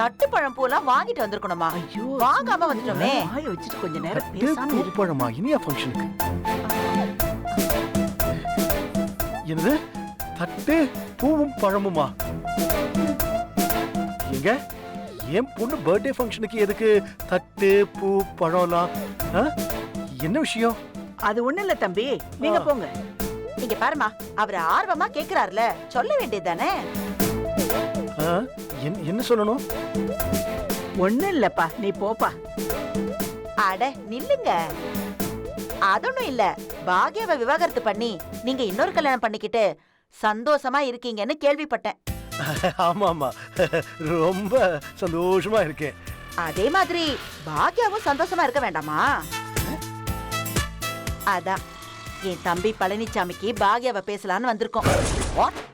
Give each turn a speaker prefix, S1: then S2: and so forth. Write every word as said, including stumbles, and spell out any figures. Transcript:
S1: தட்டு பழம் பூலாம் வாங்கிட்டு வந்திருக்கணுமா?
S2: ஐயோ
S1: வாங்காம வந்துட்டோமே.
S2: வாய வச்சுட்டு கொஞ்ச நேரம்
S3: தட்டு
S2: பேசாம
S3: பூ
S2: இரு.
S3: பழமா இனியா ஃபங்க்ஷனுக்கு? என்னது தட்டு பூவும் பழமுமா? எங்க என் பொண்ணு பர்த்டே ஃபங்க்ஷனுக்கு எதுக்கு தட்டு பூ பழம்லாம்? ஆ? என்ன விஷயம்?
S2: அது ஒண்ணு இல்ல தம்பி, நீங்க
S3: ஆ.
S2: போங்க.
S1: இங்க பாருமா, அவர் ஆர்வமா கேக்குறாருல, சொல்ல வேண்டியதுதானே?
S3: ஆ? என்ன- என்ன சொல்லணும்?
S2: ஒண்ணு இல்லப்பா, நீ போப்பா.
S1: அட நில்லுங்க. அதொன்னும் இல்ல, பாக்யாவை விவாகரத்து பண்ணி நீங்க இன்னொரு கல்யாணம் பண்ணிக்கிட்டு சந்தோஷமா இருக்கீங்கன்னு கேள்விப்பட்டேன்.
S3: ஆமா ஆமா, ரொம்ப சந்தோஷமா இருக்கேன்.
S1: அதே மாதிரி பாக்யாவும் சந்தோஷமா இருக்க வேண்டாமா? அதான் என் தம்பி பழனிசாமிக்கு பாக்யாவை பேசலான்னு வந்திருக்கோம். What?